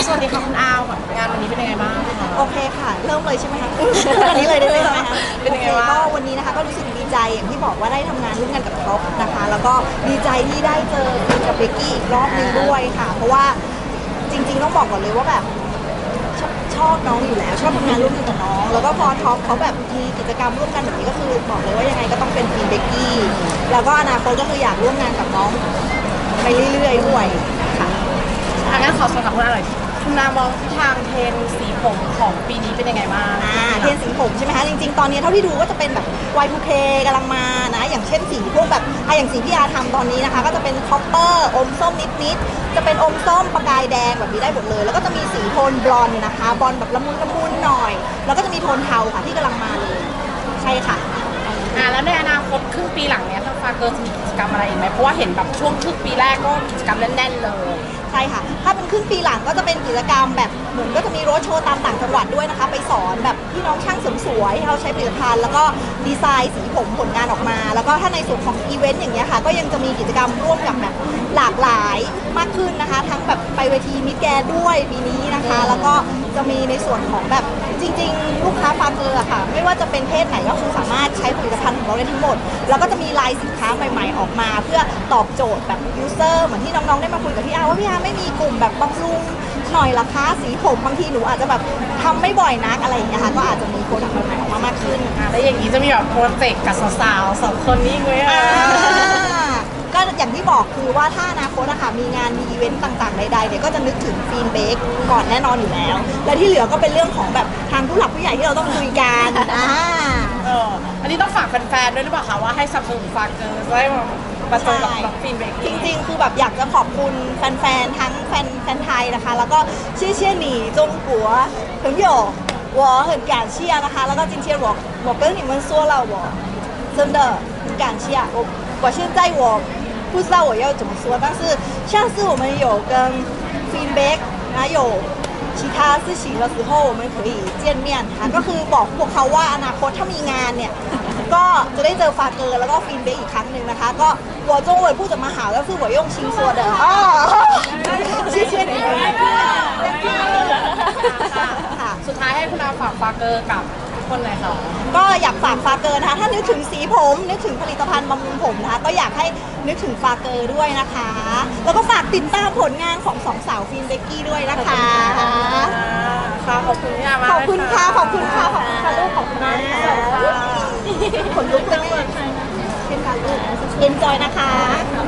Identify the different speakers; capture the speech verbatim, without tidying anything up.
Speaker 1: สวัสดีค่ะคุณอาวงานวันนี้เป็นยังไงบ้างคะ
Speaker 2: โอเคค่ะเริ่มเลยใช่ไหมคะวันนี้เลยได้เลยใช่ไหมคะ
Speaker 1: เป็นยังไง
Speaker 2: โอเค
Speaker 1: บ้าง
Speaker 2: ก็วันนี้นะคะก็รู้สึกดีใจอย่างที่บอกว่าได้ทำงานร่วมกันกับท็อปนะคะ แล้วก็ดีใจที่ได้เจอคุณกับเบกกี้อีกรอบหนึงด้วยค่ะ เพราะว่าจริงๆต้องบอกก่อนเลยว่าแบบชอบชอบน้องอยู่แล้วชอบทำงานร่วมกันกับน้องแล้วก็พอท็อปเขาแบบมีกิจกรรมร่วมกันแบบนี้ก็คือบอกเลยว่ายังไงก็ต้องเป็นทีมเบกกี้แล้วก็อนาคตก็คืออยากร่วมงานกับน้องไปเรื่อยๆด้วยค่ะ
Speaker 1: อ่ะงั้นขอสอบถามคุณอาหน่อยคุณอามองทางเทรนด์สีผมของปีนี้เป็นยังไงบ้าง
Speaker 2: อ่าเทรนด์สีผมใช่ไหมคะจริงๆตอนนี้เท่าที่ดูก็จะเป็นแบบ วาย ทู เค กำลังมานะอย่างเช่นสีพวกแบบอ่ะอย่างสีที่อาทำตอนนี้นะคะก็จะเป็นคอปเปอร์อมส้มนิดๆจะเป็นอมส้มประกายแดงแบบนี้ได้หมดเลยแล้วก็จะมีสีโทนบลอนด์นะคะบลอนด์แบบละมุนละมุนหน่อยแล้วก็จะมีโทนเทาค่ะที่กำลังมาเลยใช่ค่ะ
Speaker 1: อ่าแล้วในอนาคตครึ่งปีหลังเนี้ยทางฟาเกอร์จะมีกิจกรรมอะไรอีกไหมเพราะว่าเห็นแบบช่วงครึ่งปีแรกก็กิจกรรมแน่นๆเลย
Speaker 2: ใช่ค่ะ ถ้าเป็นครึ่งปีหลังก็จะเป็นกิจกรรมแบบเหมือนก็จะมีโรดโชว์ตามต่างจังหวัดด้วยนะคะ ไปสอนแบบพี่น้องช่างเสริมสวยที่เขาใช้ผลิตภัณฑ์แล้วก็ดีไซน์สีผมผลงานออกมา แล้วก็ถ้าในส่วนของอีเวนต์อย่างเงี้ยค่ะ ก็ยังจะมีกิจกรรมร่วมกับแบบหลากหลายมากขึ้นนะคะ ทั้งแบบไปเวทีมิสแกรนด์ด้วยปีนี้นะคะ แล้วก็จะมีในส่วนของแบบจริงๆ ลูกค้าฟาเกอร์อะค่ะ ไม่ว่าจะเป็นเพศไหนก็คือสามารถใช้ผลิตภัณฑ์ของเราได้ทั้งหมด แล้วก็จะมีลายสินค้าใหม่ๆออกมา เพื่อตอบโจทย์แบบยูเซอร์เหมือนที่น้องๆได้มาคุยกับพี่อาว่าพี่อาไม่มีกลุ่มแบบบำรุงหน่อยละคะสีผมบางทีหนูอาจจะแบบทำไม่บ่อยนักอะไรอย่างเงี้ยค่ะก็อาจจะมีโปรดักต์ใหม่ๆออกมามากขึ้น
Speaker 1: อ่าแล้วอย่างนี้จะมีแบบโปรเจกต์กับสาวๆสองคนนี้ไหมอ่ะ
Speaker 2: อ่าก็อย่างที่บอกคือว่าถ้าอนาคตนะคะมีงานมีอีเวนต์ต่างๆใดๆเนี่ยก็จะนึกถึงฟีนเบกก่อนแน่นอนอยู่แล้ว และที่เหลือก็เป็นเรื่องของแบบทางผู้หลักผู้ใหญ่ที่เราต้องคุยกันอ่า
Speaker 1: เอออันนี้ต้องฝากแฟนๆด้วยหรือเปล่าคะว่าให้สนับสนุนฟาเกอร์ได้มาประจนกับกับฟินเบก
Speaker 2: จริงๆ คือแบบอยากจะขอบคุณแฟนๆ ทั้งแฟนแฟนไทยนะคะ แล้วก็เชี่ยเชี่ยหนีจงกัว朋友我很感谢นะคะแล้วก็今天我我跟你们说了我真的很感谢我我现在我不知道我要怎么说但是下次我们有跟 feedback 还有其他事情的时候我们可以见面ค่ะก็คือบอกพวกเขาว่าอนาคตถ้ามีงานเนี่ยก็จะได้เจอฟาเกอร์แล้วก็ฟีนเบกอีกครั้งหนึ่งนะคะก็หัวจงเหวยพูดจะมาหาก็คือหัวยงชิงซัวเดออ๋อชื่อชื่อไหนค่ะ
Speaker 1: สุดท้ายให้คุณอาฝากฟาเกอร์กับทุกคนเลยค่ะ
Speaker 2: ก็อยากฝากฟาเกอร์นะคะถ้านึกถึงสีผมนึกถึงผลิตภัณฑ์บำรุงผมนะคะก็อยากให้นึกถึงฟาเกอร์ด้วยนะคะ แล้วก็ฝากติดตามผลงานของสองสาวฟินเบกกี้ด้วยนะคะ
Speaker 1: ค่ะขอบคุณพี่อามาก
Speaker 2: ขอบคุณค่ะขอบคุณค่ะขอบคุณค่ะลูกขอบคุณมากค่ะขนลุกจังเลยเป็นการลูกเอ็นจอยนะคะ